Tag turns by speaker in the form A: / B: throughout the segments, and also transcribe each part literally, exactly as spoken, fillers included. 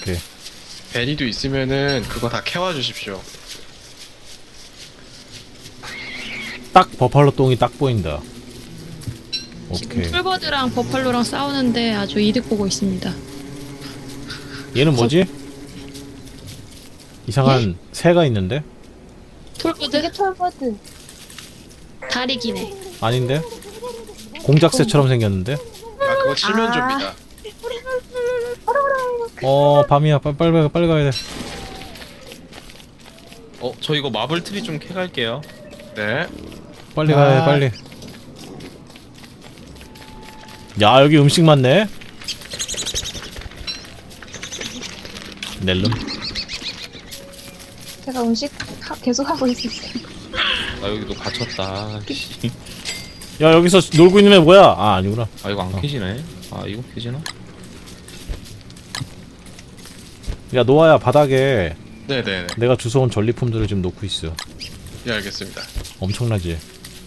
A: 오케이.
B: 베리도 있으면은 그거 다 캐와 주십시오.
A: 딱 버팔로 똥이 딱 보인다.
C: 지금
A: 오케이.
C: 풀버드랑 버팔로랑 싸우는데 아주 이득 보고 있습니다.
A: 얘는 뭐지? 이상한 새가 있는데?
C: 풀버드?
D: 이게 톨버드.
C: 다리 기네.
A: 아닌데? 공작새처럼 생겼는데?
B: 아 그거 칠면조입니다.
A: 어 밤이야. 빨리 빨리 가- 빨리 가야 돼.
E: 어, 저 이거 마블 트리 좀 캐갈게요.
B: 네.
A: 빨리 가야 돼.
B: 아.
A: 빨리. 야 여기 음식 많네. 넬름.
D: 제가 음식 하, 계속 하고 있었어요.
E: 나 여기도 갇혔다. 씨.
A: 야 여기서 놀고 있는 애 뭐야? 아 아니구나.
E: 아, 이거 안
A: 어.
E: 캐지네. 아, 이거 캐지나?
A: 야 노아야 바닥에
B: 네네네.
A: 내가 주워온 전리품들을 지금 놓고 있어.
B: 예 알겠습니다.
A: 엄청나지?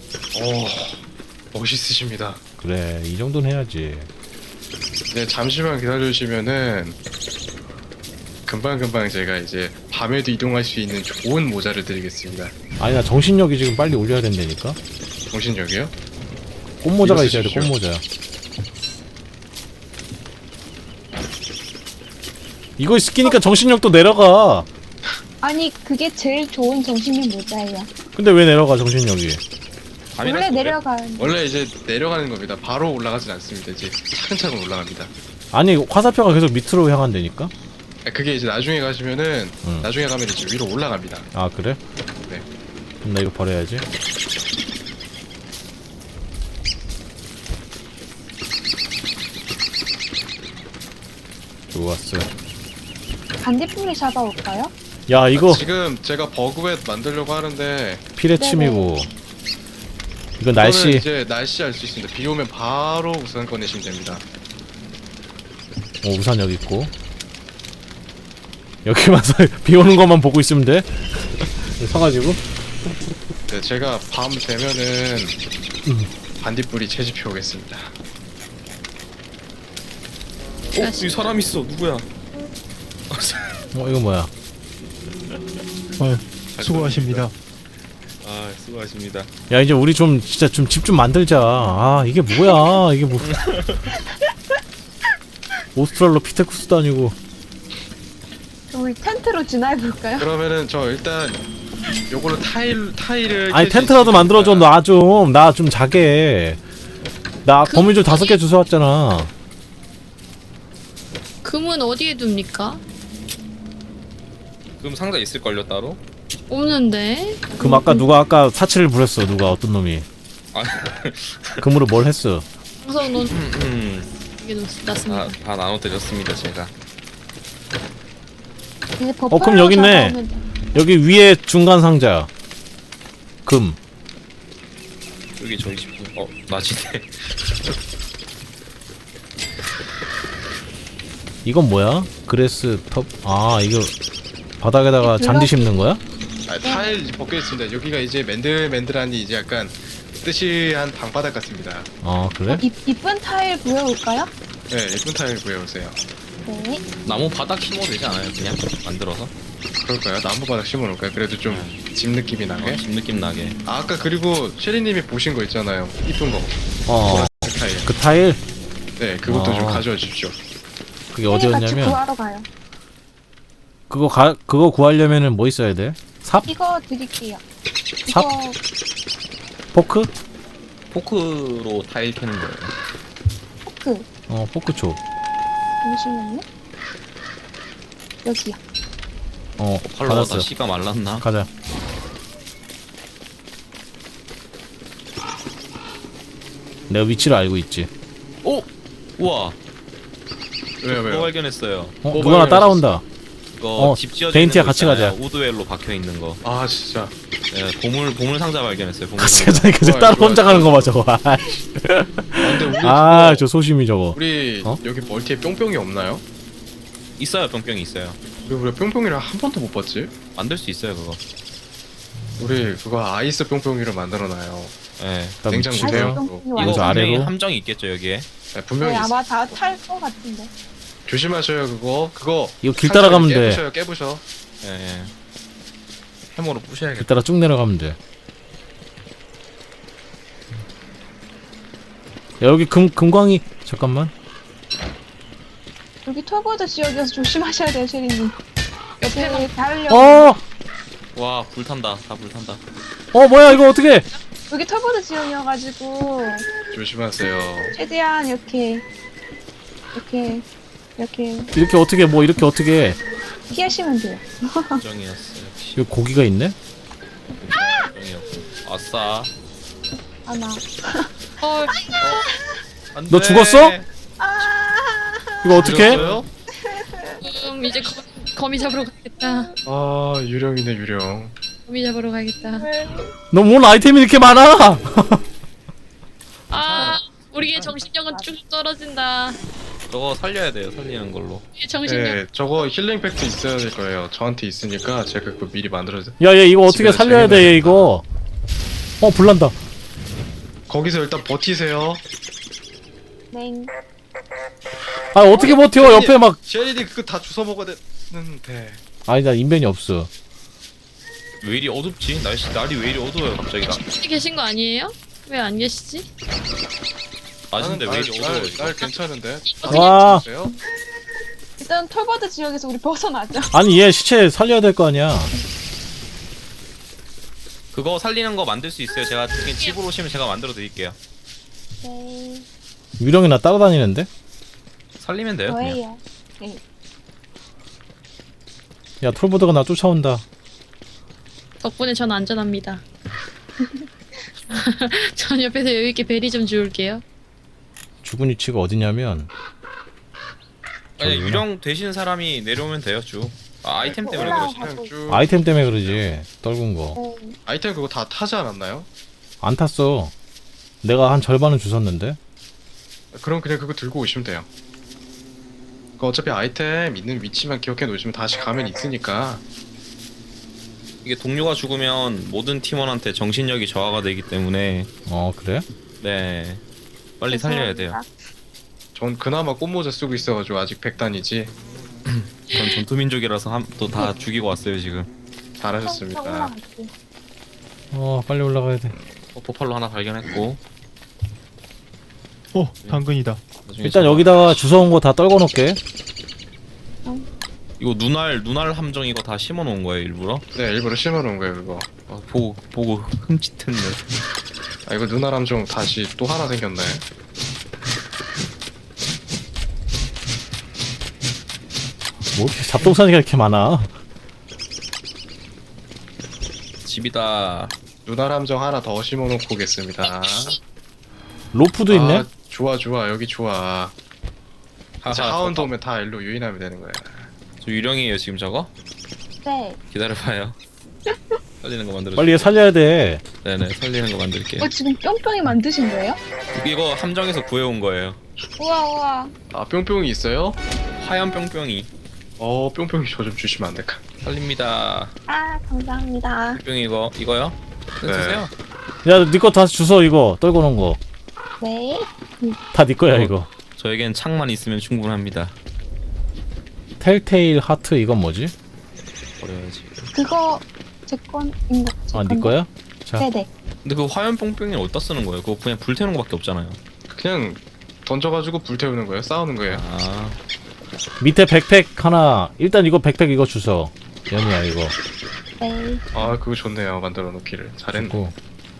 B: 오 멋있으십니다.
A: 그래 이 정도는 해야지.
B: 네 잠시만 기다려주시면은 금방 금방 제가 이제 밤에도 이동할 수 있는 좋은 모자를 드리겠습니다.
A: 아니 나 정신력이 지금 빨리 올려야 된다니까.
B: 정신력이요?
A: 꽃모자가
B: 이거
A: 있어야 돼.
B: 쓰십시오.
A: 꽃모자. 이거 끼니까 정신력도 내려가.
D: 아니 그게 제일 좋은 정신력 모자예요.
A: 근데 왜 내려가 정신력이?
E: 밤이라서
D: 원래
E: 그래?
D: 내려가는.
B: 원래 이제 내려가는 겁니다. 바로 올라가진 않습니다. 이제 차근차근 올라갑니다.
A: 아니 화살표가 계속 밑으로 향한다니까?
B: 아, 그게 이제 나중에 가시면은
A: 응.
B: 나중에 가면 이제 위로 올라갑니다.
A: 아 그래?
B: 네.
A: 그럼 나 이거 버려야지. 좋았어.
D: 반딧불이 잡아올까요?
A: 야 이거
B: 지금 제가 버그웨트 만들려고 하는데
A: 피레침이고 이건
B: 이거는
A: 날씨.
B: 이제 날씨 알 수 있습니다. 비 오면 바로 우산 꺼내시면 됩니다.
A: 어, 우산 여기 있고 여기만 서 비 오는 것만 보고 있으면 돼. 서가지고
B: 네, 제가 밤 되면은
A: 음.
B: 반딧불이 채집해 오겠습니다.
E: 어, 여기 사람 있어. 누구야?
A: 어 이거 뭐야?
F: 어, 수고하십니다.
E: 아, 수고하십니다.
A: 야 이제 우리 좀 진짜 좀 집 좀 만들자. 아 이게 뭐야? 이게 뭐? 오스트랄로피테쿠스도 아니고.
D: 우리 텐트로 진화해볼까요?
B: 그러면은 저 일단 요걸로 타일 타일을
A: 아니
B: 깰수
A: 텐트라도
B: 있으니까
A: 만들어줘. 나 좀 나 좀 자게. 나
C: 그-
A: 거미줄 다섯 개 주워왔잖아.
C: 금은 어디에 둡니까?
E: 그럼 상자 있을걸요, 따로?
C: 없는데.
A: 그럼 아까 누가 아까 사치를 부렸어. 누가 어떤 놈이?
E: 아,
A: 금으로 뭘 했어?
C: 우선 넌
E: 음,
C: 이게
E: 다,
C: 났습니다.
E: 다 나눠드렸습니다, 제가.
D: 이제
A: 어, 그럼 여기 있네. 여기 위에 중간 상자. 금.
E: 여기 저기 집, 어, 낮이네.
A: 이건 뭐야? 그레스 텁. 아 이거 바닥에다가 잔디 심는 거야?
B: 아, 타일 벗겨 있습니다. 여기가 이제 맨들맨들하니 이제 약간 뜨시한 방바닥 같습니다.
A: 아 그래?
D: 이, 이쁜 타일 구해올까요?
B: 네, 예쁜 타일 구해오세요.
D: 네.
E: 나무 바닥 심어도 되지 않아요? 그냥 만들어서?
B: 그럴까요? 나무 바닥 심어놓을까요? 그래도 좀 집 느낌이 나게.
E: 어, 집 느낌 나게.
B: 아, 아까 그리고 셰리님이 보신 거 있잖아요. 이쁜 거.
A: 어.
B: 그 타일.
A: 그 타일
B: 네, 그것도
A: 아.
B: 좀 가져와 주십시오.
A: 그게
D: 같이
A: 어디였냐면
D: 구하러 가요.
A: 그거 가 그거 구하려면은 뭐 있어야 돼? 삽?
D: 이거 드릴게요.
A: 삽?
D: 이거
A: 포크?
E: 포크로 타일 캐는 거예요.
D: 포크.
A: 어 포크 줘.
D: 잠시만요. 여기요.
A: 어
E: 팔로가
A: 받았어.
E: 다 씨가 말랐나?
A: 가자. 내가 위치를 알고 있지.
E: 오! 우와!
B: 왜요,
E: 그거
B: 왜요?
E: 발견했어요.
A: 어
B: 뭐
A: 누가 나 따라온다.
E: 이거
A: 어,
E: 집 지어져
A: 데인티야
E: 있는 거
A: 같이
E: 있잖아요.
A: 가자.
E: 우드웰로 박혀 있는 거.
B: 아, 진짜.
E: 예, 보물 보물 상자 발견했어요. 보물
A: 같이
E: 상자.
A: 가자니까 저
B: 좋아요,
A: 따라
B: 좋아요.
A: 혼자 가는 거 봐 저거.
B: 아, 근데 우리
A: 아
B: 그거-
A: 저 소심이 저거.
B: 우리
A: 어?
B: 여기 멀티에 뿅뿅이 없나요?
E: 있어요, 뿅뿅이 있어요.
B: 우리 왜 뿅뿅이를 한 번도 못 봤지?
E: 만들 수 있어요, 그거.
B: 우리 그거 아이스 뿅뿅이를 만들어놔요.
E: 예.
A: 그럼
B: 냉장
A: 위치래요?
B: 주세요.
D: 뿅뿅이
E: 이거
D: 와요.
A: 여기서
E: 분명히
A: 아래로?
E: 함정이 있겠죠, 여기에.
B: 네, 분명히
D: 네,
B: 있어요.
D: 아마 다 탈 것 같은데.
B: 조심하셔요 그거. 그거
A: 이거 길 따라가면 돼.
B: 깨부셔요 깨부셔.
E: 예, 예. 해머로 부셔야겠다.
A: 길 따라 쭉 내려가면 돼. 야, 여기 금 금광이 잠깐만.
D: 여기 톨보드 지역이어서 조심하셔야 돼요, 쉐리님. 옆에 닿으려고.
A: 어,
E: 와, 불탄다. 다 불탄다.
A: 어 뭐야 이거 어떻게?
D: 여기 톨보드 지역이어가지고
B: 조심하세요.
D: 최대한 이렇게 이렇게 이렇게
A: 이렇게 어떻게 뭐 이렇게 어떻게?
D: 피하시면 돼요.
E: 정이었어. 역시
A: 여기 고기가 있네?
E: 정이었고. 아싸.
D: 아나.
C: 어,
E: 안
A: 너
E: 돼.
A: 죽었어?
D: 아.
A: 이거 어떻게?
B: 죽었어요?
C: 음, 이제 거, 거미 잡으러 가겠다.
B: 아 유령이네 유령.
C: 거미 잡으러 가겠다.
A: 너 뭔 아이템이 이렇게 많아?
C: 아, 우리의 정신력은 쭉 떨어진다.
E: 저거 살려야 돼요. 살리는 걸로.
C: 우리의 정신력.
B: 네 저거 힐링 팩트 있어야 될 거예요. 저한테 있으니까 제가 그거 미리 만들어서.
A: 야, 얘 이거 어떻게
B: 집에서
A: 살려야 돼, 얘
B: 쟁여놔야겠다.
A: 이거. 어, 불난다.
B: 거기서 일단 버티세요.
D: 네.
A: 아, 어떻게 버텨? 옆에 막.
B: 쉐리디 그거 다 주워 먹어야 되는데.
A: 아니, 나 인벤이 없어.
E: 왜 이리 어둡지? 날씨 날이 왜 이리 어두워요 갑자기 나.
C: 혹시 계신 거 아니에요? 왜 안 계시지?
E: 아닌데 왜 이리
B: 날,
E: 어두워
B: 날,
E: 이거.
B: 날 괜찮은데.
A: 와.
B: 보세요.
D: 일단 톨보드 지역에서 우리 벗어나죠.
A: 아니, 얘 시체 살려야 될 거 아니야.
E: 그거 살리는 거 만들 수 있어요. 제가 그냥 집으로 오시면 제가 만들어 드릴게요.
D: 네.
A: 유령이 나 따라다니는데?
E: 살리면 돼요. 그냥.
D: 저예요. 네.
A: 야, 톨보드가 나 쫓아온다.
C: 덕분에 전 안전합니다. 전 옆에서 여유있게 베리 좀 주울게요.
A: 죽은 위치가 어디냐면.
E: 아니
A: 저기구나.
E: 유령 되시는 사람이 내려오면 돼요 쭉. 아, 아이템 때문에
D: 올라와.
E: 그러시나?
B: 그냥 쭉.
A: 아이템 때문에 그러지. 떨군 거.
D: 네.
B: 아이템 그거 다 타지 않았나요?
A: 안 탔어. 내가 한 절반은 주웠는데.
B: 그럼 그냥 그거 들고 오시면 돼요. 그 어차피 아이템 있는 위치만 기억해 놓으시면 다시 가면 있으니까.
E: 이게 동료가 죽으면 모든 팀원한테 정신력이 저하가 되기 때문에
A: 어, 그래?
E: 네 빨리 살려야 돼요.
B: 전 그나마 꽃모자 쓰고 있어가지고 아직 백단이지.
E: 전 전투민족이라서 또 다 죽이고 왔어요 지금.
B: 잘하셨습니다.
D: 올라갈게요.
A: 어, 빨리 올라가야 돼.
E: 어, 포팔로 하나 발견했고.
F: 어, 당근이다.
E: 나중에
A: 일단
E: 저거-
A: 여기다가 주워온 거 다 떨궈 놓을게.
E: 이거 눈알 눈알 함정 이거 다 심어 놓은 거예요 일부러?
B: 네 일부러 심어놓은 거예요 그거.
E: 어, 보고 보고 흠칫했네.
B: 아 이거 누나람 좀 다시 또 하나 생겼네.
A: 뭐 이렇게 잡동사니가 이렇게 많아.
E: 집이다.
B: 누나람정 하나 더 심어놓고 오겠습니다.
A: 로프도 있네?
B: 아, 좋아 좋아 여기 좋아. 이제
E: 하하,
B: 하운드
E: 저-
B: 오면 다 일로 유인하면 되는 거야.
E: 저 유령이에요 지금 저거?
D: 네.
E: 기다려봐요. 살리는 거 만들어.
A: 빨리 얘 살려야 돼.
E: 네네 살리는 거 만들게요.
D: 어 지금 뿅뿅이 만드신 거예요?
E: 이거 함정에서 구해온 거예요.
D: 우와 우와.
B: 아 뿅뿅이 있어요?
E: 하얀 뿅뿅이.
B: 어 뿅뿅이 저 좀 주시면 안 될까?
E: 살립니다.
D: 아 감사합니다.
E: 뿅뿅이 이거 이거요?
B: 네.
E: 쓰세요.
A: 야, 네 거 다 주워, 이거. 떨궈 놓은 거.
D: 네.
A: 다 네 거야,
E: 어.
A: 이거.
E: 저에겐 창만 있으면 충분합니다.
A: 텔테일 하트, 이건 뭐지?
E: 버려야지.
D: 그거 제 건인 거. 제
A: 아, 네
D: 건데.
A: 거야? 자,
D: 네네.
E: 근데 그 화염 뿅뿅이 어디다 쓰는 거예요? 그거 그냥 불태우는 거밖에 없잖아요.
B: 그냥 던져가지고 불태우는 거예요? 싸우는 거예요?
E: 아,
A: 밑에 백팩 하나. 일단 이거 백팩 이거 주워. 연이야, 이거.
D: 네.
B: 아 그거 좋네요 만들어 놓기를 잘했네.
A: 주고.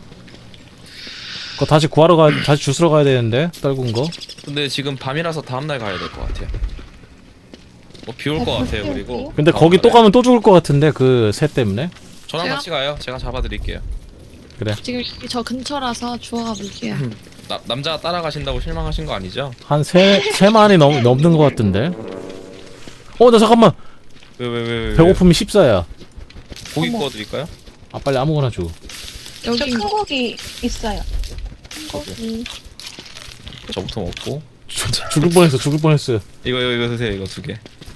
A: 그거 다시 구하러 가, 다시 주스러 가야 되는데, 떨군 거.
E: 근데 지금 밤이라서 다음날 가야 될 것 같아요. 뭐 비 올 것 같아요. 그리고
A: 근데 거기 또 가면 또 죽을 것 같은데, 그 새 때문에.
E: 저랑
C: 제가?
E: 같이 가요. 제가 잡아드릴게요.
C: 지금 여기 저 근처라서 주워가 볼게요.
E: 나, 남자가 따라가신다고 실망하신 거 아니죠?
A: 한 세, 세만이 넘, 넘는 것 같은데. 어, 나 잠깐만.
E: 왜 왜 왜 왜?
A: 배고픔이 십사야.
E: 고기
D: 어머.
E: 구워드릴까요?
A: 아, 빨리 아무거나 줘.
D: 저
C: 여기
D: 큰 고기 있어요. 큰 고기.
E: 저부터 먹고.
A: 죽- 죽을 뻔했어, 죽을 뻔했어.
E: 이거 이거 이거 드세요. 이거 두 개.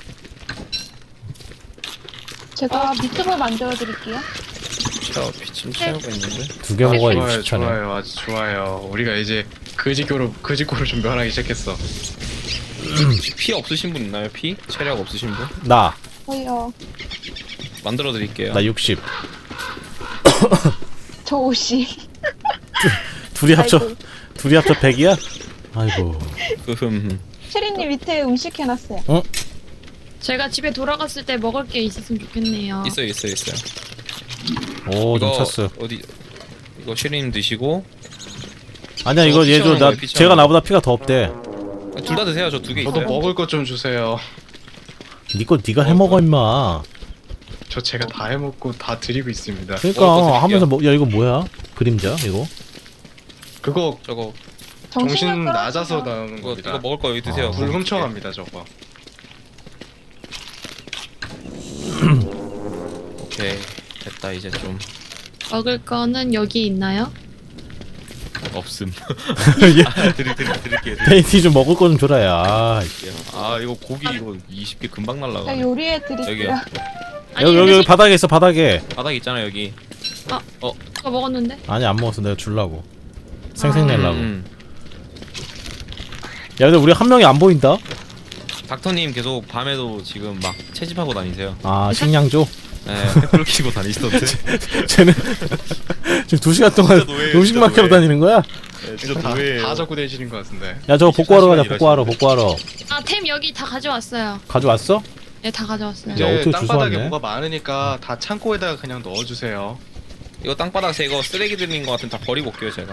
D: 제가 미트볼 만들어 드릴게요.
E: 채워 비침 채우고 있는데.
A: 두 개 먹어야
B: 좋아요
A: 육십 차네.
B: 좋아요 아주 좋아요. 우리가 이제 그지교로 그지고를 좀 면하기 시작했어.
E: 혹시 피 없으신 분 있나요? 피? 체력 없으신 분?
A: 나,
D: 저요.
E: 만들어 드릴게요.
A: 나 육십.
D: 저 오십.
A: 둘이 합쳐,
D: 아이고.
A: 둘이 합쳐 백이야? 아이고.
E: 흠.
D: 체리님 밑에 음식 해놨어요.
C: 제가 집에 돌아갔을 때 먹을 게 있었으면 좋겠네요.
E: 있어요, 있어요, 있어요.
A: 오, 좀
E: 이거
A: 찼어.
E: 어디? 이거 쉐리님 드시고
A: 아니야,
E: 저
A: 이거
E: 피
A: 얘 줘.
E: 채우는
A: 나,
E: 거예요, 피
A: 제가
E: 채우는
A: 나보다 피가 더 없대.
E: 둘 다 드세요. 저 두 개
B: 저도
E: 있어요.
B: 먹을 것 좀 주세요.
A: 니거 니가 해먹어, 임마.
B: 저 제가 다 해먹고 다 드리고 있습니다.
A: 그러니까,
E: 먹을 거 드릴게요.
A: 하면서 뭐, 야, 이거 뭐야? 그림자, 이거?
B: 그거
E: 저거
B: 정신
D: 정신력
B: 낮아서
D: 떨어지면
B: 나오는
E: 이거,
B: 겁니다.
E: 이거 먹을 거 여기 드세요.
A: 아,
B: 불 훔쳐갑니다 저거.
E: 오케이 됐다 이제 좀
C: 먹을 거는 여기 있나요?
E: 없음.
A: 얘,
E: 아, 드릴 드릴 드릴게요.
A: 페인티 좀 먹을 거 좀 줘라, 야. 아,
E: 드릴게요. 아 이거 고기 이거 이십 개 금방
D: 제가
E: 날라가.
D: 요리해 드릴게요.
E: 여기요.
C: 아니
A: 여기, 여기,
C: 근데
A: 여기 바닥에 있어, 바닥에.
E: 바닥 있잖아 여기.
C: 저 먹었는데?
A: 아니, 안 먹었어. 내가 줄라고. 생생 내려고.
E: 음.
A: 야, 근데 우리 한 명이 안 보인다?
E: 닥터님 계속 밤에도 지금 막 채집하고 다니세요.
A: 아, 식량조?
E: 네, 횃불 키고 다니시던데.
A: 쟤는 지금 두 시간 동안
E: 진짜 노예예요,
A: 음식만
E: 진짜
A: 캐러
E: 노예.
A: 다니는 거야?
E: 네,
B: 진짜 다, 다 적고 되시는 것 같은데.
A: 야, 저거 복구하러 가자,
E: 이십사
A: 복구하러,
E: 시간
A: 복구하러.
C: 아 템 여기 다 가져왔어요.
A: 가져왔어?
C: 네 다 가져왔어요.
A: 야,
B: 이제
A: 어떻게
B: 땅바닥에
A: 주워왔네?
B: 뭐가 많으니까 다 창고에다가 그냥 넣어주세요.
E: 이거 땅바닥 새 이거 쓰레기 들린 거 같은 다 버리고 올게요 제가.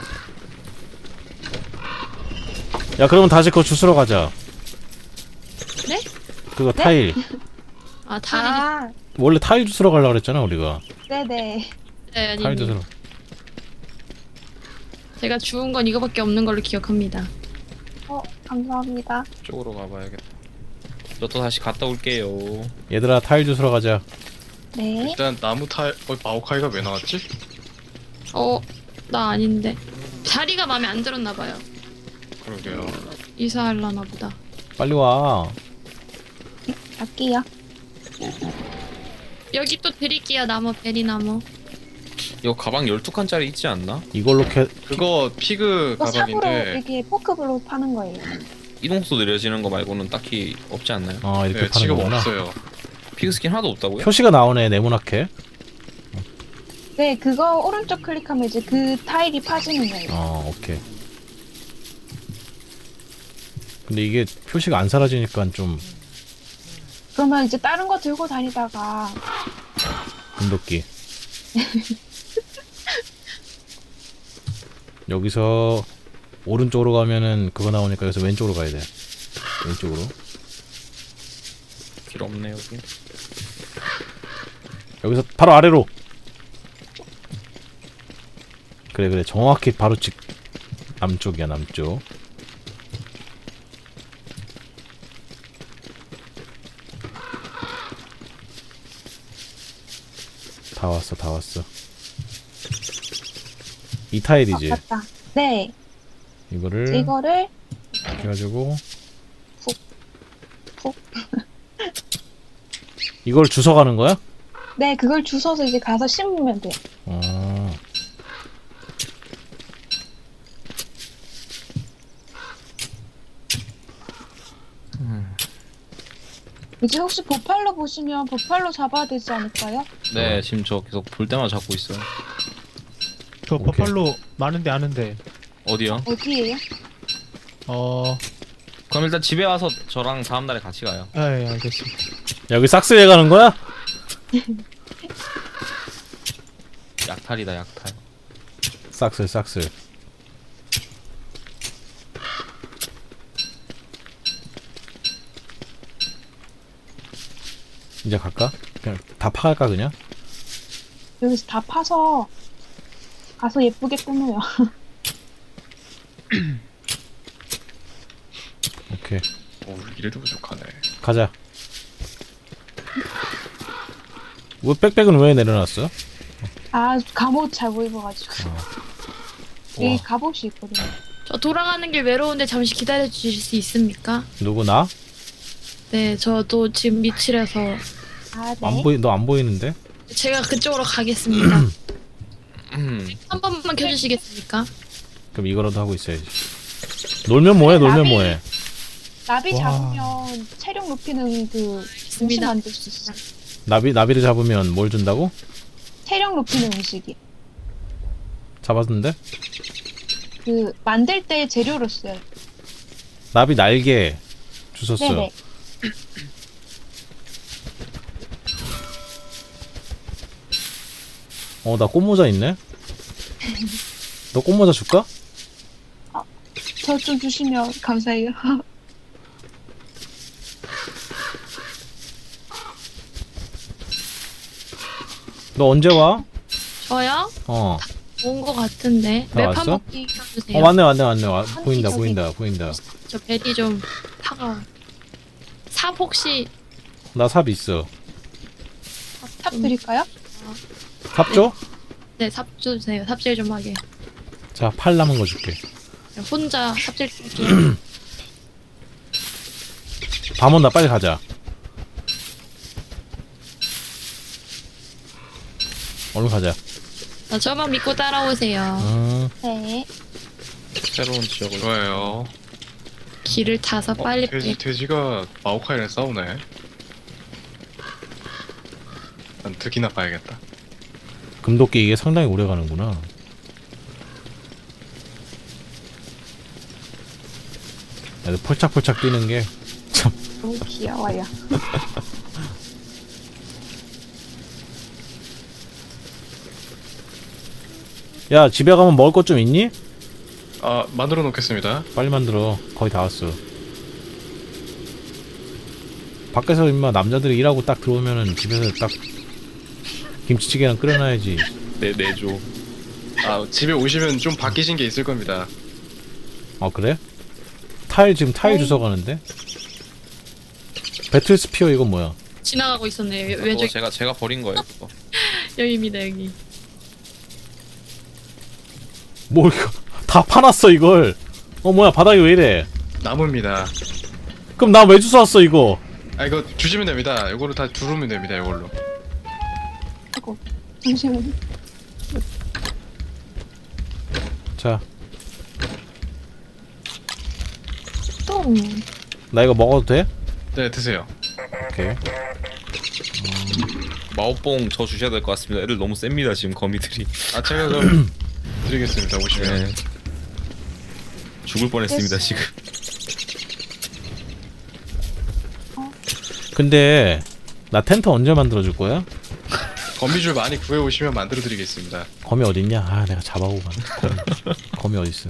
A: 야, 그러면 다시 그거 주스러 가자.
C: 네?
A: 그거 타일.
C: 아 타일.
D: 아,
A: 원래 타일 주스러 가려고 그랬잖아, 우리가.
D: 네네.
C: 네,
A: 타일
C: 아니
A: 주스러.
C: 제가 주운 건 이거밖에 없는 걸로 기억합니다.
D: 어, 감사합니다.
E: 쪽으로 가봐야겠다. 저 또 다시 갔다 올게요.
A: 얘들아, 타일 주스러 가자.
D: 네.
B: 일단 나무 타일. 어 마오카이가 왜 나왔지?
C: 어, 나 아닌데. 자리가 마음에 안 들었나 봐요.
B: 그러게요.
C: 이사하려나 보다.
A: 빨리 와.
D: 갈게요.
C: 여기 또 드릴게요. 나무 베리나무.
E: 이거 가방 열두 칸짜리 있지 않나?
A: 이걸로 캐,
B: 그거 피그
D: 이거 삽으로
B: 가방인데
D: 이렇게 포크블로 파는 거예요.
E: 이동速도 느려지는 거 말고는 딱히 없지 않나요?
A: 어, 이렇게
B: 네,
A: 파는
B: 지금
A: 거구나.
B: 없어요.
E: 피그 스킨 하나도 없다고요?
A: 표시가 나오네, 네모나게.
D: 네, 그거 오른쪽 클릭하면 이제 그 타일이 파지는 거예요.
A: 어, 오케이. 근데 이게 표시가 안 사라지니까 좀
D: 그러면 이제 다른 거 들고 다니다가
A: 금도끼. 여기서 오른쪽으로 가면은 그거 나오니까 여기서 왼쪽으로 가야 돼. 왼쪽으로.
E: 길 없네 여기.
A: 여기서 바로 아래로. 그래 그래 정확히 바로 직 남쪽이야 남쪽. 다 왔어 다 왔어. 이
D: 어,
A: 타일이지.
D: 맞다. 네,
A: 이거를
D: 이거를
A: 해가지고
D: 푹, 푹.
A: 이걸 주워 가는 거야?
D: 네, 그걸 주워서 이제 가서 심으면 돼요.
A: 어.
D: 이제 혹시 보팔로 보시면 보팔로 잡아야 되지 않을까요?
E: 네 지금 저 계속 볼 때마다 잡고 있어요.
F: 저
A: 오케이.
F: 버팔로 많은데 아는데.
E: 어디요?
D: 어디에요?
F: 어,
E: 그럼 일단 집에 와서 저랑 다음 날에 같이 가요.
F: 아, 예, 알겠습니다.
A: 여기 싹스에 가는 거야?
E: 약탈이다 약탈.
A: 싹스 싹스. 이제 갈까? 그냥 다 파갈까 그냥?
D: 여기서 다 파서 가서 예쁘게 꾸며요.
A: 오케이
B: 오 이래도 부족하네.
A: 가자. 왜 백백은 왜 내려놨어?
D: 아, 갑옷 잘 못 입어가지고. 여기
A: 와
D: 갑옷이 있거든요.
C: 저 돌아가는 길 외로운데 잠시 기다려 주실 수 있습니까?
A: 누구 나?
C: 네, 저도 지금 미칠해서
D: 아, 네.
A: 안 보이 너 안 보이는데?
C: 제가 그쪽으로 가겠습니다.
E: 음.
C: 한 번만 켜주시겠습니까?
A: 그럼 이거라도 하고 있어야지. 놀면 뭐해 놀면 뭐해.
D: 나비
F: 와.
D: 잡으면 체력 높이는 그 음식
C: 있습니다.
D: 만들 수 있어.
A: 나비 나비를 잡으면 뭘 준다고?
D: 체력 높이는 음식이.
A: 잡았는데?
D: 그 만들 때 재료로 써요.
A: 나비 날개 주웠어.
D: 네네.
A: 어, 나 꽃모자 있네. 너 꽃모자 줄까?
D: 저 좀 주시면 감사해요.
A: 너 언제 와?
C: 저요?
A: 어.
C: 온 거 같은데.
A: 다
C: 맵
A: 왔어?
C: 한번 끼워주세요.
A: 어, 맞네, 맞네, 맞네. 와,
D: 아니,
A: 보인다,
D: 저기-
A: 보인다, 보인다.
C: 저 벨이 좀 차가워. 삽 혹시
A: 나 삽 있어.
D: 탑 드릴까요?
A: 삽 줘?
C: 네, 삽 주세요. 삽질 좀 하게.
A: 자, 팔 남은 거 줄게.
C: 혼자 삽질 줄게요.
A: 밤원 나 빨리 가자. 얼른 가자.
C: 자, 저만 믿고 따라오세요.
A: 음,
D: 네.
E: 새로운 지역을.
B: 좋아요.
C: 길을 타서
B: 어,
C: 빨리
B: 돼지, 돼지가 마오카이랑 싸우네. 난 득이나 봐야겠다.
A: 금도끼 이게 상당히 오래 가는구나. 애들 폴짝폴짝 뛰는 게 참.
D: 너무 귀여워요.
A: 야, 집에 가면 먹을 것 좀 있니?
B: 아, 만들어 놓겠습니다.
A: 빨리 만들어. 거의 다 왔어. 밖에서 임마 남자들이 일하고 딱 들어오면은 집에서 딱 김치찌개랑 끓여놔야지.
E: 내 내조.
B: 아, 집에 오시면 좀 바뀌신 게 있을 겁니다.
A: 아, 그래? 타일 지금 타일
D: 네.
A: 주워 가는데? 배틀 스피어 이건 뭐야?
C: 지나가고 있었네요.
E: 그거
C: 왼쪽
E: 제가 제가 버린 거예요. 그거.
C: 여기입니다, 여기.
A: 뭐 이거 다 파놨어 이걸. 어 뭐야 바닥이 왜 이래?
B: 나무입니다.
A: 그럼 나 왜 주워왔어 이거?
B: 아, 이거 주시면 됩니다. 이거로 다 두르면 됩니다. 이걸로.
D: 아이고, 잠시만요.
A: 자,
C: 똥.
A: 나 이거 먹어도 돼?
B: 네, 드세요.
A: 오케이.
E: 마오뽕 저 주셔야 될 것 같습니다. 애들 너무 셉니다 지금 거미들이.
B: 아, 제가 좀 드리겠습니다. 오시면.
E: 네. 죽을 뻔했습니다
D: 됐어.
E: 지금.
A: 근데 나 텐트 언제 만들어 줄 거야?
B: 거미줄 많이 구해 오시면 만들어 드리겠습니다.
A: 거미 어딨냐? 아 내가 잡아오고 가네. 거미, 거미 어딨어?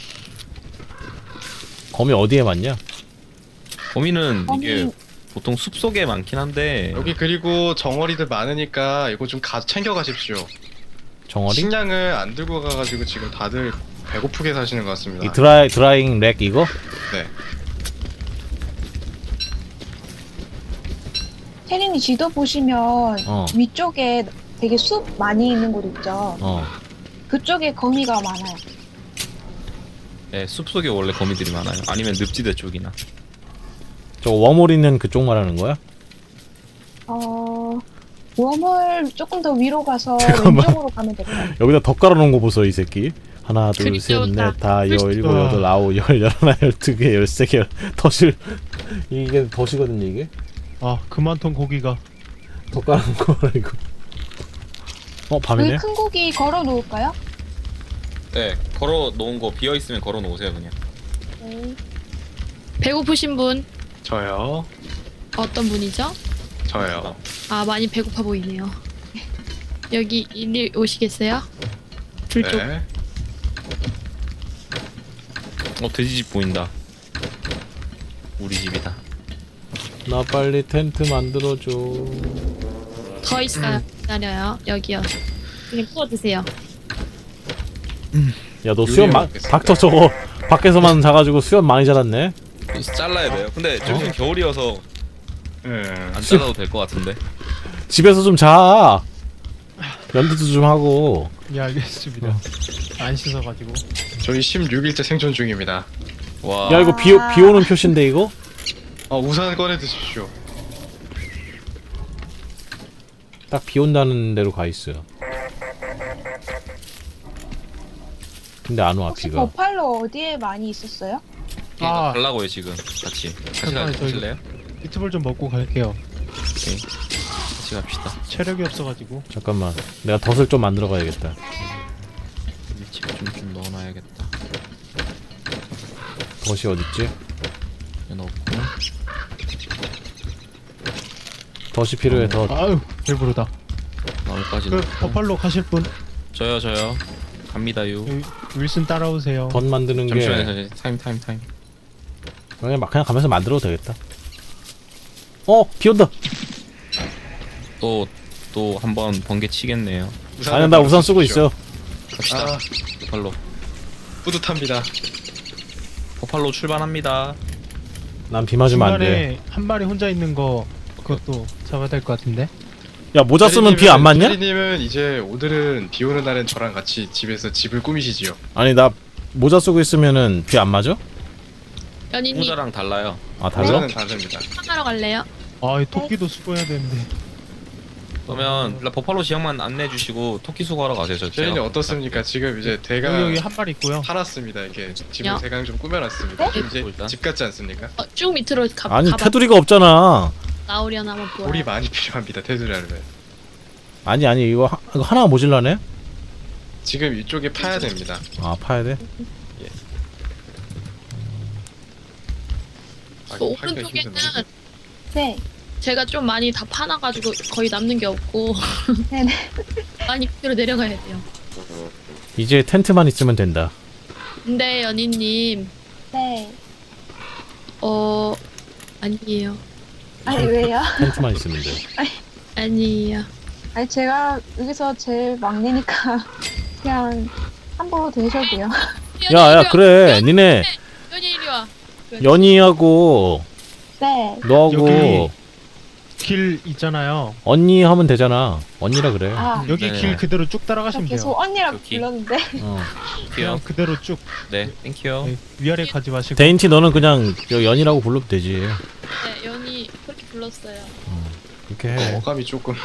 A: 거미 어디에 많냐?
E: 거미는
D: 거미-
E: 이게 보통 숲 속에 많긴 한데
B: 여기 그리고 정어리들 많으니까 이거 좀 가, 챙겨 가십시오.
A: 정어리?
B: 식량을 안 들고 가가지고 지금 다들 배고프게 사시는 것 같습니다.
A: 이 드라이 드라잉 렉 이거?
B: 네.
D: 태린이 지도 보시면
A: 어.
D: 위쪽에 되게 숲 많이 있는 곳 있죠.
A: 어.
D: 그쪽에 거미가 많아요.
E: 네, 숲 속에 원래 거미들이 많아요. 아니면 늪지대 쪽이나.
A: 저 워몰 있는 그쪽 말하는 거야?
D: 어, 웜을 조금 더 위로 가서
A: 잠깐만.
D: 왼쪽으로 가면 될 거예요.
A: 여기다 덧 깔아놓은 거 보소 이 새끼. 하나
C: 그림 띄웠다.
A: 둘셋넷다 여 일곱
F: 아.
A: 여덟 아홉 열 열하나 열두 개 열세 개 덫을 이게 덫이거든요 이게.
F: 아 그만통 고기가.
A: 덧 깔아놓은 거라 이거. 어 밤이네.
D: 그 큰 고기 걸어 놓을까요?
E: 네, 걸어 놓은 거 비어 있으면 걸어 놓으세요 그냥.
D: 네.
C: 배고프신 분
B: 저요.
C: 어떤 분이죠?
B: 저요.
C: 아, 많이 배고파 보이네요. 여기 이리 오시겠어요? 둘쪽.
B: 네.
E: 어 돼지집 보인다. 우리 집이다.
A: 나 빨리 텐트 만들어줘.
C: 더 있어요. 기다려요. 여기요. 그냥 구워 드세요.
A: 야 너 수염 마,
B: 먹겠습니다.
A: 닥터 저거 밖에서만 자가지고 수염 많이 자랐네.
E: 잘라야 돼요. 근데 지금 겨울이어서
B: 네.
E: 안 잘라도 될 것 같은데.
A: 집에서 좀 자. 연두도 좀 하고.
F: 예 알겠습니다. 안 씻어가지고.
B: 저희 십육 일째 생존 중입니다.
E: 와.
A: 야 이거 비, 비 오는 표시인데 이거?
B: 어, 우산 꺼내 드십시오.
A: 딱 비 온다는 데로 가 있어. 근데 안 와
D: 혹시
A: 비가.
D: 버팔로 어디에 많이 있었어요?
F: 아.
E: 달라고요 지금 같이. 같이
F: 잠깐만요, 저 이거-
E: 가실래요?
F: 유튜브를 좀 먹고 갈게요.
E: 오케이. 같이 갑시다.
F: 체력이 없어가지고.
A: 잠깐만. 내가 덫을 좀 만들어 가야겠다.
E: 위치 좀좀 넣어놔야겠다.
A: 덫이 어딨지?
E: 이거 넣고.
A: 덫이 필요해, 덫.
F: 아유 배부르다.
E: 나무까지
F: 그
E: 넣고.
F: 버팔로 가실 분
E: 저요 저요. 갑니다요.
F: 여기 윌슨 따라오세요.
A: 덫 만드는 게
E: 잠시만요. 잠시만요. 타임 타임 타임.
A: 그냥 막 그냥 가면서 만들어도 되겠다. 어, 비 온다.
E: 또 또 한번 번개 치겠네요.
A: 아니, 나 우산 쓰고 있어.
E: 갑시다.
B: 아,
E: 포팔로.
B: 뿌듯합니다.
E: 포팔로 출발합니다.
A: 난 비 맞으면 안 돼.
F: 중간에 한 마리 혼자 있는 거 그것도 잡아야 될 것 같은데.
A: 야, 모자 쓰면 비 안 맞냐?
B: 피디님은 이제 오늘은 비 오는 날엔 저랑 같이 집에서 집을 꾸미시지요.
A: 아니, 나 모자 쓰고 있으면은 비 안 맞아?
C: 연인님
E: 모자랑 달라요.
A: 아, 달라?
B: 모자는 다릅니다.
C: 하러 갈래요?
F: 아이 토끼도 수거해야 되는데.
E: 그러면 일단 버팔로 지역만 안내해 주시고 토끼 수거하러 가세요. 저
B: 제인이
E: 제가
B: 어떻습니까? 지금 이제 대가
F: 여기 여기 한 마리 있고요.
B: 팔았습니다. 이렇게 집을
C: 야.
B: 대강 좀 꾸며놨습니다.
C: 네?
B: 이제
E: 일단.
B: 집 같지 않습니까?
C: 어, 쭉 밑으로 가,
A: 아니,
C: 가봐.
A: 테두리가 없잖아.
C: 나오려나 한번 보아.
B: 돌이 많이 필요합니다. 테두리 하려면.
A: 아니, 아니, 이거, 하, 이거 하나가 모질라네?
B: 지금 이쪽에 파야 됩니다.
A: 아, 파야 돼?
B: 아,
C: 그
B: 이거 파기가
C: 오른쪽에는
B: 힘드네.
D: 네.
C: 제가 좀 많이 다 파놔가지고 거의 남는 게 없고
D: 네네.
C: 많이 밑으로 내려가야 돼요.
A: 이제 텐트만 있으면 된다.
C: 근데 연희님
D: 네.
C: 어 아니에요.
D: 아니 왜요?
A: 텐트만 있으면 돼.
C: 아니에요.
D: 아니 제가 여기서 제일 막내니까 그냥 함부로 대셔도요.
A: 야, 야, 그래. 니네,
C: 연희 이리 와.
A: 연희하고,
D: 네.
A: 너하고,
F: 여기- 길 있잖아요.
A: 언니 하면 되잖아. 언니라 그래.
D: 아,
F: 여기
E: 네.
F: 길 그대로 쭉
D: 저
F: 따라가시면 돼요.
D: 계속 언니라고
E: 여기.
D: 불렀는데.
A: 어.
E: 토끼요.
F: 그냥 그대로 쭉.
E: 네, 땡큐요.
F: 네, 위아래 가지 마시고.
A: 데인티 너는 그냥 저 연희라고 불러도 되지.
C: 네, 연희 그렇게 불렀어요.
A: 그렇게 해.
B: 어감이 조금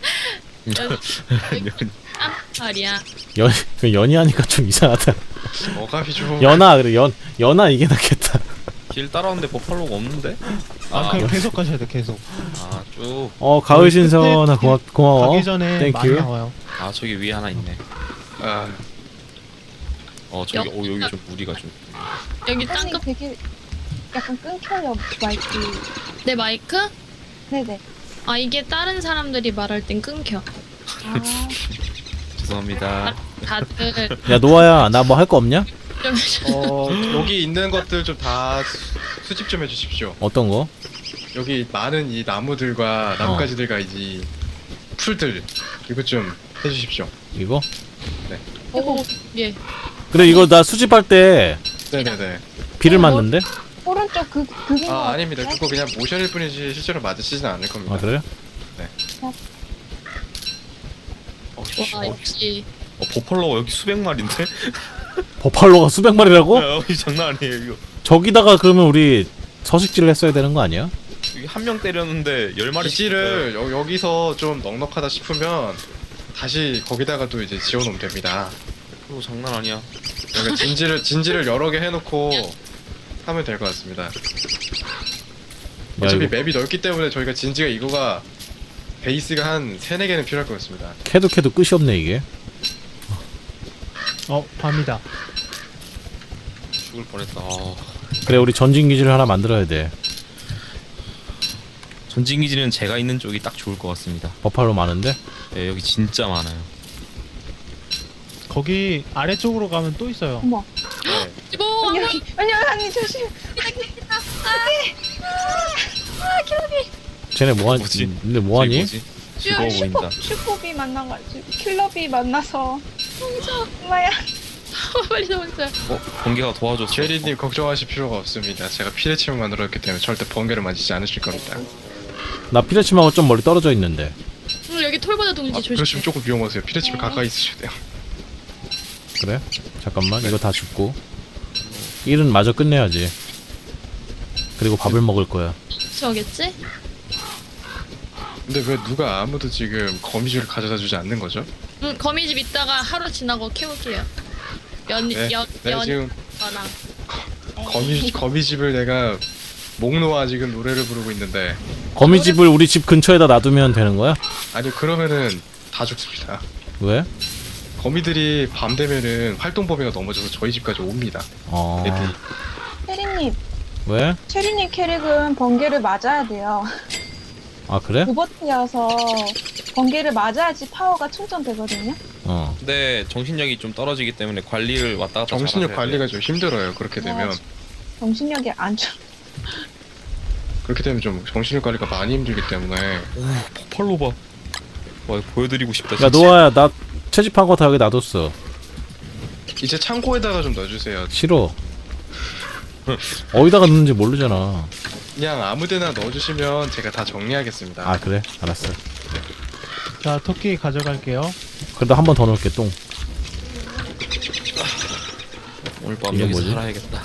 C: 아 말이야.
A: 연, 그 연희하니까 좀 이상하다.
B: 어감이 좀
A: 연아, 그래. 연, 연아 이게 낫겠다.
E: 길 따라오는데 버팔로가 없는데?
F: 아,
E: 아,
F: 그냥 계속 가셔야 돼 계속.
E: 아, 쭉.
A: 어, 가을 신선아, 고마, 고마워.
F: 가기 전에
A: 땡큐.
F: 많이 나와요.
E: 아, 저기 위에 하나 있네.
B: 아,
E: 어, 저기,
C: 여-
E: 오, 여기 좀 무리가 좀.
C: 여기
D: 아니
C: 땅끝
D: 되게 약간 끊겨요 마이크.
C: 내 마이크?
D: 네네.
C: 아 이게 다른 사람들이 말할 땐 끊겨.
D: 아,
E: 죄송합니다.
C: 다들
A: 야, 노아야, 나 뭐 할 거 없냐?
C: 좀
B: 어, 여기 있는 것들 좀 다 수집 좀 해주십시오.
A: 어떤 거?
B: 여기 많은 이 나무들과 나뭇가지들과 이 풀들 이거 좀 해주십시오.
A: 이거?
C: 오, 예.
A: 그래, 이거 나 수집할 때
B: 네네네.
A: 비를
D: 어, 뭐-
A: 맞는데?
D: 오른쪽 그 그게
B: 아 아닙니다. 그거 그냥 모션일 뿐이지 실제로 맞으시진 않을 겁니다.
A: 아, 그래?
E: 어, 씨,
C: 와
E: 어,
C: 역시
E: 어, 버팔로가 여기 수백 마리인데?
A: 버팔로가 수백 마리라고?
E: 야, 여기 장난 아니에요, 이거.
A: 저기다가 그러면 우리 서식지를 했어야 되는 거 아니야?
E: 여기 한 명 때렸는데 열 마리.
B: 기지를 여, 여기서 좀 넉넉하다 싶으면 다시 거기다가도 이제 지어놓으면 됩니다.
E: 이거 장난 아니야.
B: 그러니까 진지를 진지를 여러 개 해놓고 하면 될 것 같습니다.
A: 야,
B: 어차피
A: 이거
B: 맵이 넓기 때문에 저희가 진지가 이거가 베이스가 한 세네 개는 필요할 것 같습니다.
A: 캐도 캐도 끝이 없네, 이게.
F: 어 밤이다.
E: 죽을 뻔했다. 아,
A: 그래, 우리 전진기지를 하나 만들어야 돼.
E: 전진기지는 제가 있는 쪽이 딱 좋을 것 같습니다.
A: 버팔로 많은데?
E: 네, 여기 진짜 많아요.
F: 거기 아래쪽으로 가면 또 있어요.
D: 어머.
B: 네.
C: 이보
D: 언니 여기 언니 언니 조심.
A: 쟤네 뭐하니?
E: 뭐지?
A: 근데 뭐하니?
E: 저기 뭐지? 즐거워 보인다.
D: 슈퍼비 만나가지고 킬러비 만나서. 엄마야.
C: 빨리 나오세요.
E: 어, 번개가 도와줬어.
B: 제리님 걱정하실 필요가 없습니다. 제가 피레침을 만들었기 때문에 절대 번개를 맞지 않으실 겁니다.
A: 나 피레침하고 좀 멀리 떨어져 있는데.
C: 음, 여기 톨보다 동지
B: 아,
C: 조심.
B: 그러시면 조금 위험하세요. 피레침을
D: 네.
B: 가까이 있으셔야 돼요.
A: 그래? 잠깐만, 이거 다 줍고. 일은 마저 끝내야지. 그리고 밥을 먹을 거야.
C: 저겠지?
B: 근데 왜 누가 아무도 지금 거미줄을 가져다 주지 않는 거죠?
C: 응 거미집 있다가 하루 지나고 키울게요. 연
B: 네,
C: 연
B: 네
C: 연
B: 지금
C: 거랑
B: 거미 거미집을 내가 목 놓아 지금 노래를 부르고 있는데
A: 거미집을 우리 집 근처에다 놔두면 되는 거야?
B: 아니 그러면은 다 죽습니다.
A: 왜?
B: 거미들이 밤 되면은 활동 범위가 넘어져서 저희 집까지 옵니다.
A: 어.
B: 애들이.
D: 체리님,
A: 왜?
D: 체리님 캐릭은 번개를 맞아야 돼요.
A: 아 그래?
D: 로버트여서 번개를 맞아야지 파워가 충전되거든요.
A: 어.
E: 근데 정신력이 좀 떨어지기 때문에 관리를 왔다 갔다
B: 정신력
E: 잘하셔야
B: 관리가 좀 힘들어요. 그렇게 되면
D: 정신력이 안 좋아.
B: 그렇게 되면 좀 정신력 관리가 많이 힘들기 때문에
E: 돼요. 오 폭발로 봐. 와 이거 보여드리고 싶다
A: 야
E: 진짜.
A: 노아야 나 채집한 거 다 여기 놔뒀어.
B: 이제 창고에다가 좀 넣어주세요.
A: 싫어. 어디다가 넣는지 모르잖아.
B: 그냥 아무데나 넣어주시면 제가 다 정리하겠습니다.
A: 아 그래? 알았어.
F: 자, 토끼 가져갈게요.
A: 그래도 한 번 더 넣을게 똥.
E: 오늘 밤
A: 이게
E: 여기서
A: 뭐지?
E: 살아야겠다.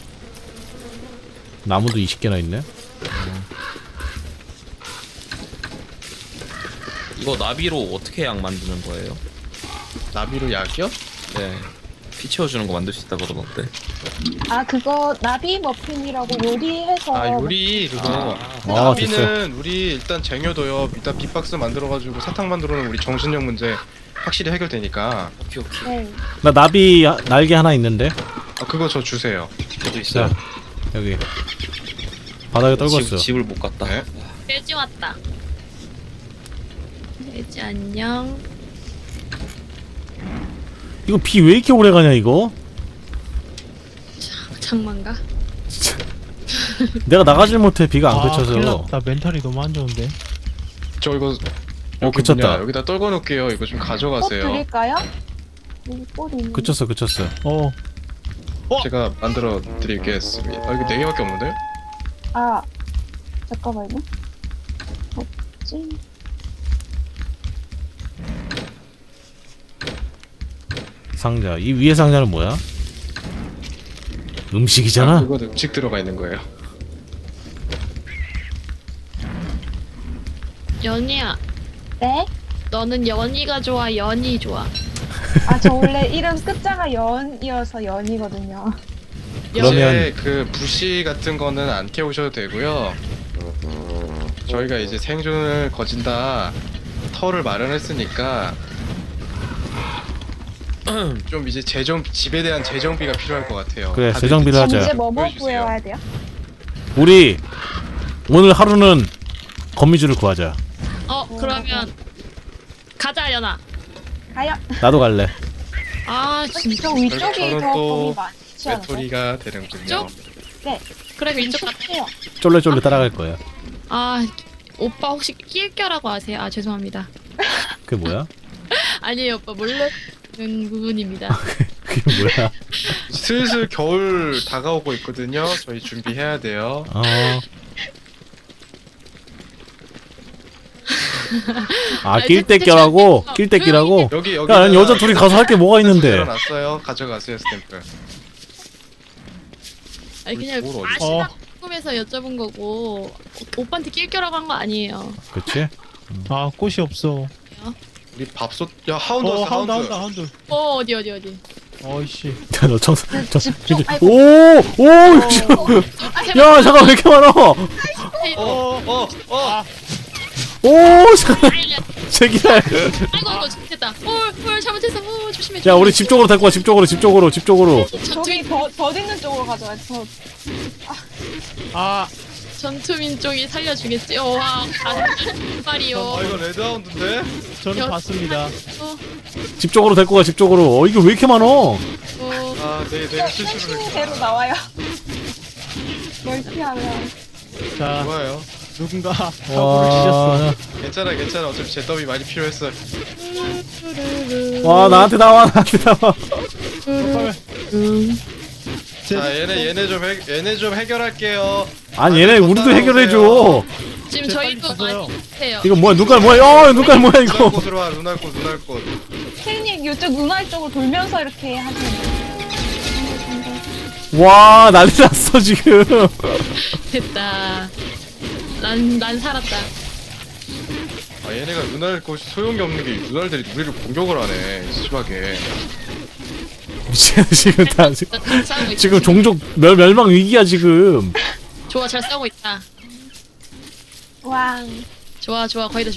A: 나무도 이십 개나 있네.
E: 이거 나비로 어떻게 약 만드는 거예요?
B: 나비로 약이요?
E: 네. 피 채워주는 거 만들 수 있다 그러던데.
D: 아 그거 나비 머핀이라고 요리해서
B: 아 요리 그거
A: 아,
B: 나비는 우리 일단 쟁여둬요. 일단 빅박스 만들어가지고 사탕 만들어놓으면 우리 정신력 문제 확실히 해결되니까.
E: 오케이 오케이.
D: 네.
A: 나 나비 하- 날개 하나 있는데.
B: 아 그거 저 주세요.
E: 저도 있어요.
A: 자 여기 바닥에 떨궜어.
E: 집, 집을 못 갔다.
B: 네?
C: 돼지 왔다. 돼지 안녕.
A: 이거 비 왜 이렇게 오래 가냐 이거?
C: 장만가?
A: 내가 나가질 못해 비가 안
F: 아, 큰일
A: 그쳐서.
F: 났다. 멘탈이 너무 안 좋은데.
B: 저 이거
A: 어
B: 여기
A: 그쳤다.
B: 뭐냐, 여기다 떨궈놓을게요. 이거 좀
D: 꽃
B: 가져가세요.
D: 드릴까요? 여기 꽃 있는.
A: 그쳤어 그쳤어.
F: 어,
B: 제가 만들어 드리겠습니다. 아 이거 네 개밖에 없는데?
D: 아 잠깐만요. 없지.
A: 상자. 이 위에 상자는 뭐야?
B: 아,
A: 음식이잖아.
B: 그거 음식 들어가 있는 거예요.
C: 연희야,
D: 네?
C: 너는 연희가 좋아, 연희 좋아?
D: 아 저 원래 이름 끝자가 연이어서 연이거든요.
A: 그러면-
B: 이제 그 부시 같은 거는 안 태우셔도 되고요. 저희가 이제 생존을 거진다 터를 마련했으니까 좀 이제 재정 집에 대한 재정비가 필요할 것 같아요.
A: 그래,
B: 다들
A: 재정비를 하자.
D: 이제 뭐뭐
B: 보여주세요.
D: 구해와야 돼요?
A: 우리 오늘 하루는 거미줄을 구하자.
C: 어, 그러면 가자, 연아.
D: 가요.
A: 나도 갈래.
C: 아, 진짜.
D: 저 위쪽이
B: 저는
D: 더
B: 또
D: 범위 많지 않아요?
B: 외톨이가 되는군요.
C: 이쪽?
D: 네.
C: 그래, 이쪽 가.
D: 위쪽이요.
A: 쫄래쫄래 따라갈 거야.
C: 아, 오빠 혹시 낄껴라고 아세요? 아, 죄송합니다.
A: 그게 뭐야?
C: 아니에요, 오빠. 모르는 부분입니다.
A: 그게 뭐야?
B: 슬슬 겨울 다가오고 있거든요. 저희 준비해야 돼요.
A: 어. 아, 낄 때 껴라고? 낄 때 끼라고?
B: 여기 여기
A: 야, 난 여자 둘이 가서 할 게 뭐가 있는데?
B: 놨어요. 가져가세요 스탬프.
C: 아니, 그냥
B: 뭘 어디-
C: 아시다 궁금해서 여쭤본 거고, 오- 오빠한테 낄껴라고 한 거 아니에요.
A: 그치?
F: 아, 꽃이 없어.
B: 우리 밥솥 야 하운드
F: 어,
B: 왔어
F: 하운드,
B: 하운드.
F: 하운드, 하운드.
C: 어, 어디, 어디, 어디.
F: 어이씨.
A: 야, 너 청소, 저,
D: 집중.
A: 근데-
D: 아이고.
A: 오! 오!
C: 아, 제발.
A: 야, 잠깐, 왜 이렇게 많아?
B: 어어 어.
A: 오! 잠깐, 제기랄.
C: 아이고, 아이고, 잘못했다. 헐, 헐, 잘못했어. 오, 조심해.
A: 야, 우리 집 쪽으로 데리고 와, 집 쪽으로, 집 쪽으로, 집 쪽으로.
D: 저기 더, 더 있는 쪽으로 가져와요. 저
F: 아,
C: 전투민족이 살려주겠지. 어, 와, 말이요.
B: 아 이거 레드 하운드인데?
F: 저는
C: 여-
F: 봤습니다.
C: 어,
A: 집 쪽으로 데리고 가, 집 쪽으로. 어, 이게 왜 이렇게 많어?
C: 어,
B: 아 네, 내가 실수를
D: 땡땡이
B: 했구나.
D: 대로 나와요. 멀티하면.
F: 자,
B: 좋아요.
F: 누군가 사고를 치셨어.
A: 와,
B: 괜찮아 괜찮아. 어차피 제 더비 많이 필요했어.
A: 와, 나한테 나와, 나한테 나와.
B: 자 얘네 얘네 좀 해, 얘네 좀 해결할게요.
A: 아니, 얘네 우리도 해결해줘.
C: 지금
F: 제
C: 저희도
F: 빨리 가세요.
C: 많이 해요.
A: 이거 뭐야, 눈깔 뭐야, 어, 눈깔 뭐야,
B: 눈알
A: 이거.
B: 꽃으로 와 눈알 꽃 눈알 꽃.
D: 체리님 이쪽 눈알 쪽으로 돌면서 이렇게 하시면 돼요.
A: 와, 난리 났어, 지금.
C: 됐다. 난, 난 살았다.
B: 아 얘네가 눈알 꽃이 소용이 없는 게 눈알들이 우리를 공격을 하네. 심하게.
A: 지금 다 지금,
C: 잘 싸우고 있다.
A: 지금 종족 멸, 멸망 위기야 지금.
C: 좋아 잘 싸우고 있다.
D: 왕.
C: 좋아 좋아 거의 다